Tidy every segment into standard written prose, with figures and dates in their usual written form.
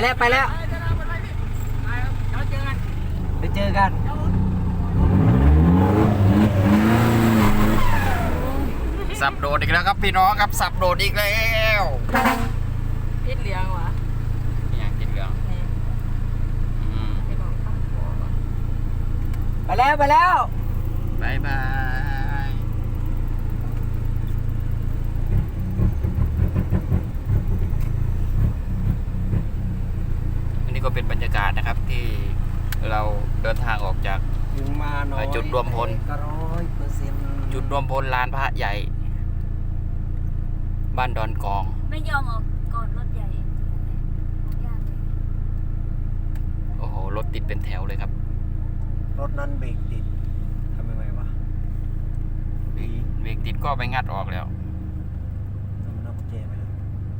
แล้วไปแล้วไปเจอกันสับโดดอีกแล้วครับพี่น้องครับสับโดดอีกแล้วพิษเหลืองวะนี่อย่างกินเหลืองไปแล้วบายบายอันนี้ก็เป็นบรรยากาศนะครับที่เราเดินทางออกจากจุดรวมพลจุดรวมพลลานพระใหญ่บ้านดอนกองไม่ยอมออกก่อนรถใหญ่ยากเลยโอ้โหรถติดเป็นแถวเลยครับรถนั้นเบรกติดทำยังไงวะเบรกติดก็ไปงัดออกแล้วมันเอากุญแจไปแล้ว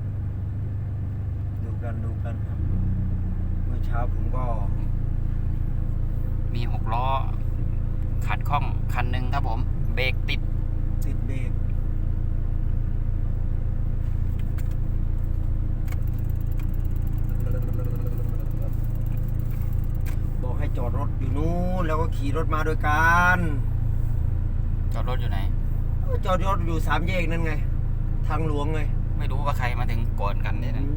ดูกันครับเมื่อเช้าผมก็มี6 ล้อขัดข้องคันหนึ่งครับผมเบรกติดเบรกบอกให้จอดรถอยู่นู้นแล้วก็ขี่รถมาด้วยกันจอดรถอยู่ไหนจอดรถอยู่3 แยกนั่นไงทางหลวงไงไม่รู้ว่าใครมาถึงก่อนกันเนี่ยนะ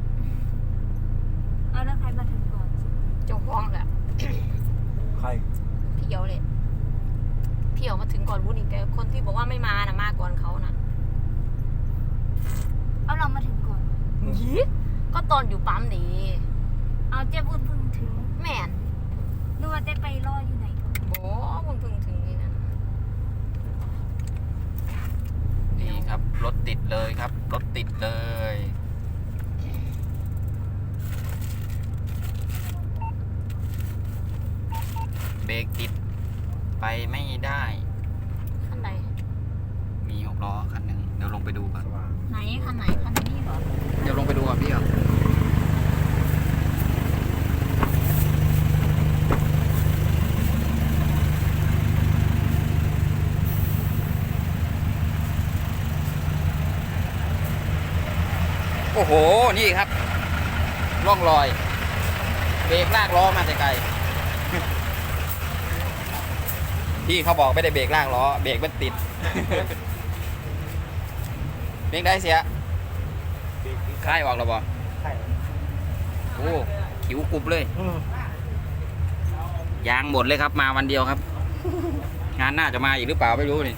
เอาแล้วใครมาถึงก่อนเจ้าของแหละใครพี่เหี่ยวเลยพี่เหี่ยวมาถึงก่อนวุ้นอีกแต่คนที่บอกว่าไม่มานะมาก่อนเขานะเอาเรามาถึงก่อนยี่ก็ตอนอยู่ปั๊มนี่เอาเจ๊บุญเพิ่งถึงแม่นนึกว่าเจ๊ไปรออยู่ไหนโอ้บุญเพิ่งถึงนี่นะนี่ครับรถติดเลยครับรถติดเลยเบรกติดไปไม่ได้คันไหนมี6 ล้อคันหนึ่งเดี๋ยวลงไปดูก่อนไหนคันไหนคันนี้เหรอเดี๋ยวลงไปดูก่อนพี่อ่ะโอ้โหนี่ครับร่องรอยเบรกลากล้อมาแต่ไกลพี่เขาบอกไม่ได้เบรกลากล้อเบรกมันติดเบรกได้เสียค่ายออกแล้วบ่โอ้ขิวกรุบเลยยางหมดเลยครับมาวันเดียวครับงานน่าจะมาอีกหรือเปล่าไม่รู้นี่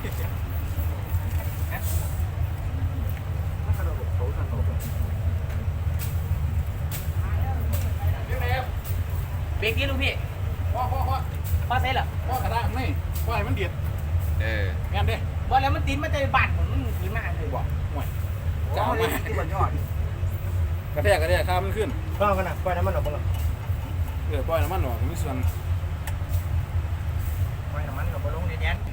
เบรกนี่ลูกพี่พ่อเซ็ตเหรอพ่อกระด้างนี่พ่อให้มันเดียดงานเด้บ่แล้วมันติดมันจะบาดเหมือนมันติดมากเลยบ่ห่วยจะเอามาที่บนยอดกระแทกข้ามมันขึ้นปล่อยกันนะปล่อยน้ำมันออกบ้างปล่อยน้ำมันออกมีส่วนปล่อยน้ำมันออกมาลงในแดน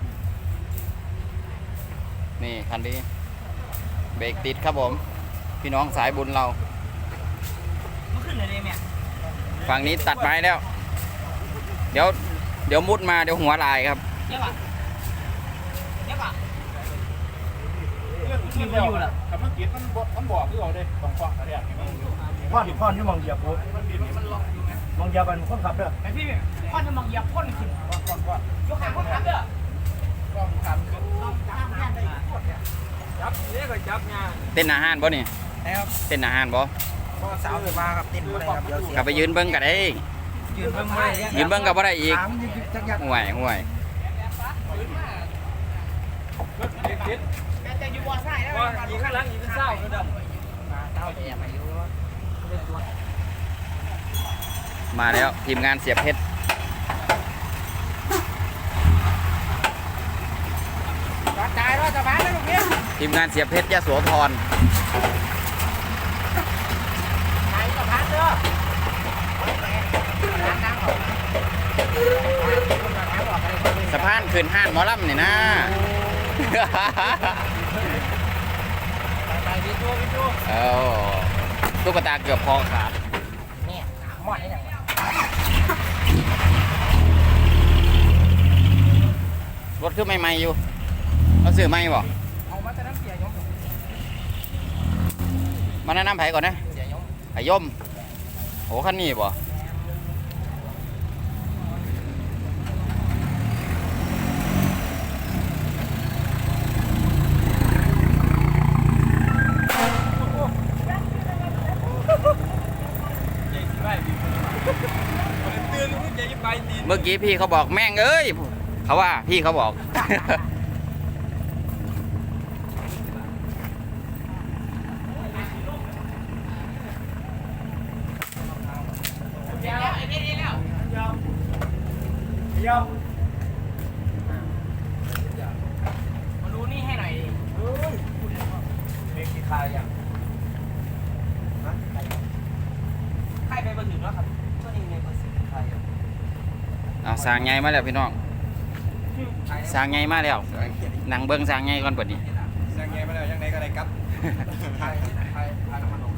นี่คันนี้เบรกติดครับผมพี่น้องสายบุญเรามันขึ้นเลยเนี่ยฝั่งนี้ตัดไม้แล้วเดี๋ยวมุดมาเดี๋ยวหัวลายครับเยอะที่มันอยู่ล่ะคำเมื่อกี้มันบอกที่เราได้ต้องฟังอะไรอย่างเงี้ยพ่อนที่มองเหยียบปุ๊บมองเหยียบมันคนขับเด้อไอพี่พ่อนที่มองเหยียบพ่นขึ้นก่อนยกขาพ่นขับเด้อก็ขับขึ้นจับนี่ก็จับงานเต้นอาหารบ่นี่เต้นอาหารบ่สาวมาครับเต้นบ่ได้ครับเดี๋ยวเสียกลับไปยืนเบิ้งกันได้ยืนเบิ้งกับบ่ได้อีกห่วยจะอยู่บ่อใส่แล้วยิงข้างหลังยิงเศร้าก็ดมาแล้วทีมงานเสียบเพชรทีมงานเสียบเพชรยะโสธรสะพานขึ้นห้านหมอลำนี่นะตุ๊กตาเกือบคอขาดเนี่ยหมดได้ยังรถขึ้นใหม่ๆอยู่เราซื้อใหม่บ่เอามาแต่น้ำเสียยมมาแนะนำไผ่ก่อนนะเสียยมไผ่ยมโอ้คันนี้บ่เมื่อกี้พี่เขาบอกแม่งเอ้ยเขาว่าพี่เขาบอกเดี๋ยวไอ้นี่แล้วยอมยอมมาดูนี่ให้หน่อยดิเฮ้ยเบรกกี่คายยังฮะใครไปเบอร์ถึงแล้วครับตัวนี้ในเบอร์สิบใครเอาสร้างไงมาแล้วพี่น้องสร้างไงมาแล้วหนังเบิ้งสร้างไงก่อนเปิดนี้ยังไงมาแล้วยังไงก็ได้ครับไทยน้ำมันลง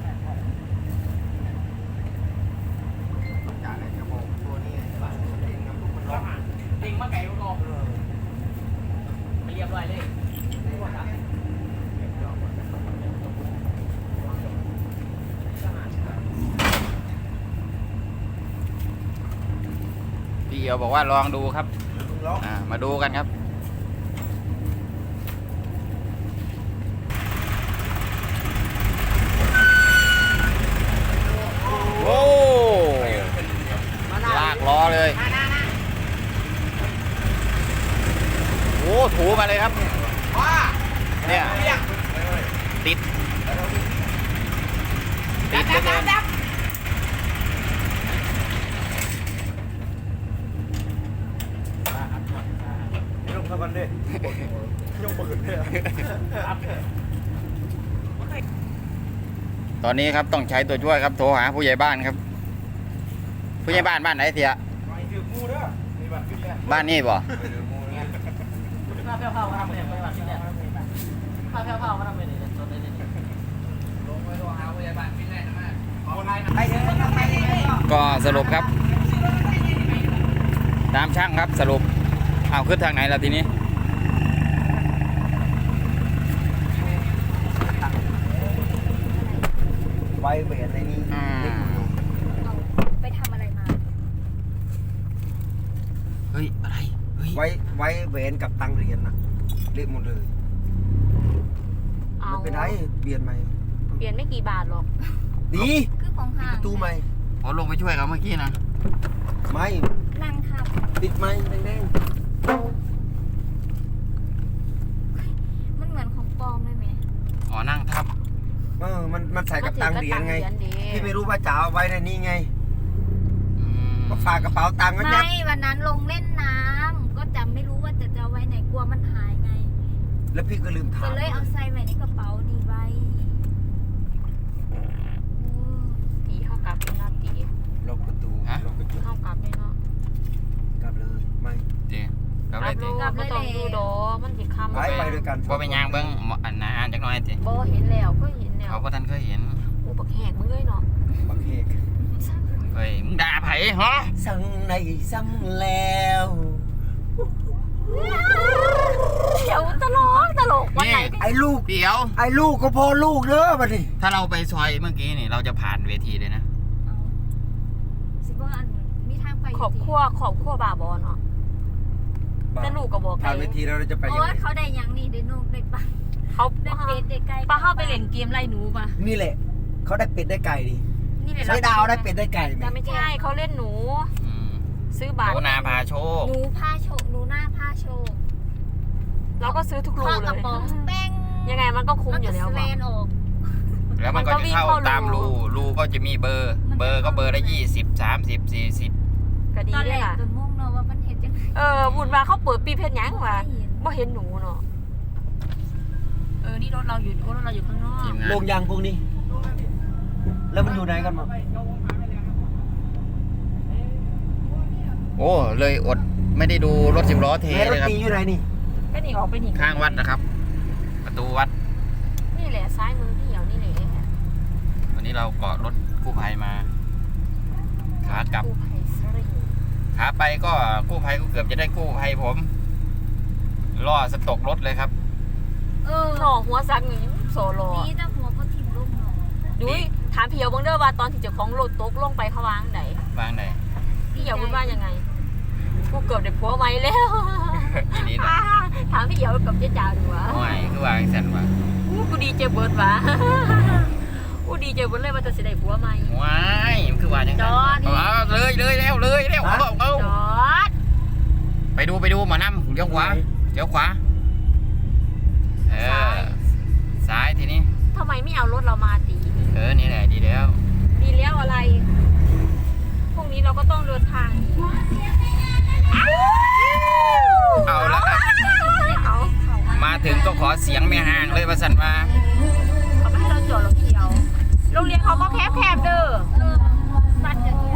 จ่ายเลยกระบอกตัวนี้เองน้ำลูกมันร้อนติงมาไก่ก็ไปเรียบร้อยเลยพี่เอียวบอกว่าลองดูครับร้อนมาดูกันครับโอ้ลากล้อเลยโอ้ถูมาเลยครับว้าเนี่ยเรียกติดดับเหลือเกินไม่ลงเท่ากันดิยกปืนเลยตอนนี้ครับต้องใช้ตัวช่วยครับโทรหาผู้ใหญ่บ้านครับ ผู้ใหญ่บ้านบ้านไหนเสียไม่ถือมูเด้อมีบัตรขึ้นแล้วบ้านนี่บ่ข้าวเผามาทำเลยไปแบบนี้เนี่ยข้าวเผามาทำเลยเนี่ยตัวนี้ลงไปโทรหาพยาบาลพี่แน่นะมากไปเถอะไปเลยก็สรุปครับ ตามช่างครับสรุปเอาขึ้นทางไหนล่ะทีนี้ไว้เบรในนี้เอาไปทำอะไรมาเฮ้ยอะไรเฮ้ยไว้เวนกับตังเหรียญนะเละหมดเลยเอาไม่เป็นไรเปลี่ยนใหม่เปลี่ยนไม่กี่บาทหรอกดีคือของห้างประตูใหม่อ๋อลงไปช่วยเขาเมื่อกี้นะไม่นั่งทับติดไหมแดงมันเหมือนของปลอมเลยไหมอ๋อนั่งทับๆมันใส่กับตังเหรียญไงก็ถือกับตังเหรียญดิพี่ไม่รู้ว่าจะเอาไว้ในนี้ไงอืมก็ฝากกระเป๋าตังค์ไว้ยัดไม่วันนั้นลงเล่นน้ำก็จำไม่รู้ว่าจะเอาไว้ไหนกลัวมันหายไงแล้วพี่ก็ลืมถาก็มเลยเอาใส่ไว้ในกระเป๋าดีไว้โอ้ตีเข้ากลับเลยเนาะตีล็อกประตูล็อกกระจกเข้ากลับเลยเนาะกลับเลยไม่เจ๊กลับเลยเจ๊กลับเลยต้องดูดอมันสิคำไปด้วยกันพอไปยางเบิ้งอันนะอ่านจักหน่อยเจ๊โบเห็นแล้วก็เห็นแล้วเขาก็ท่านเคยเห็นกูบักแหกมึงเลยเนาะบักเฮกเฮ้ยมึงด่าไผ่ฮะสั่งในสั่งแล้วเดี๋ยวตลกวันไหนก็ไอ้ลูกเดี๋ยวไอ้ลูกก็พอลูกเด้อบัดนี้ถ้าเราไปซอยเมื่อกี้นี่เราจะผ่านเวทีเลยนะเอาสิว่าอันมีทางไปขอบครัวบาบอเนาะแต่ลูกก็บอกผ่านเวทีแล้วเราจะไปโอ้ยังไงยเขาได้ยังนี่ได้นกได้ปลาเขาได้เป็ดได้ไก่ป้าเข้าไปเล่นเกมไล่หนูป่ะนี่แหละเขาได้เป็ดได้ไก่ดินี่เลยใช้ดาวได้เป็ดได้ไก่ไหมแต่ไม่ใช่เขาเล่นหนูอืมซื้อโหบัตรนาพาโชคหนูผ้าโชว์หนูหน้าผ้าโชว์เราก็ซื้อทุกรูข้อกเลระยป๋องแป้งยังไงมันก็คุ้มอยู่แล้วมันก็ป่ะสแลนออกแล้วมันก็จะเข้าตามรูก็จะมีเบอร์ เบอร์ก็เบอร์ละ20 30 40 ก็ดีตอนเลแรยกล่ะตัวม่วงเนาะว่ามันเห็นจังบุญมาเขาเปิดปีเพชรยังว่ะเห็นบ่เห็นหนูเนาะนี่รถเราอยู่ข้างนอกทีมงานลงยางพวกนี้ แล้วมันอยู่ไหนกันหมดโอ้เลยอดไม่ได้ดูรถ10 ล้อเทแม่รเลถยครับตีอยู่ไหนนี่ก็หนีออกไปหนีข้างวัดนะครับ ประตูวัดนี่แหละซ้ายมือพี่เหี่ยวนี่แหละวันนี้เราเกาะรถกู้ภัยมาขากลับกู้ภัยสริงขาไปก็กู้ภัยก็เกือบจะได้กู้ภัยผมล่อสตกรถเลยครับเออหน่อหัวซักหนึ่งโซโลนี่แต่หัวก็ถิ่มลงเนาะดุยถามพี่เหี่ยวเบิ่งเด้อว่าตอนที่เจ้าของรถตกลงไปเขาวางไหนวางไหนพี่เหี่ยวพูดว่ายังไงกูเกือบได้ผัวใหม่แล้วอีนี้นะถามพี่เหี่ยวกับเจ๊จ๋าดูวะโอ้ยคือวางสันวะกูดีเจเบิร์ดวะกูดีเจเบิร์ดเลยว่าจะสิได้ผัวใหม่ว้ายมันคือวางยังไงจอดเอาเลยแล้วเอาจอดไปดูหมอนำเลี้ยวขวาเออซ้ายทีนี้ทำไมไม่เอารถเรามาตีนี่แหละดีแล้วดีแล้วอะไรพรุ่งนี้เราก็ต้องเดินทางเอาละครับเอามาถึงก็ขอเสียงแม่ห่างเลยว่าสันว่าเขาไม่ให้เราจอดหรอกพี่เหี่ยวโรงเรียนเขาก็แคบๆเด้อบ้านจะ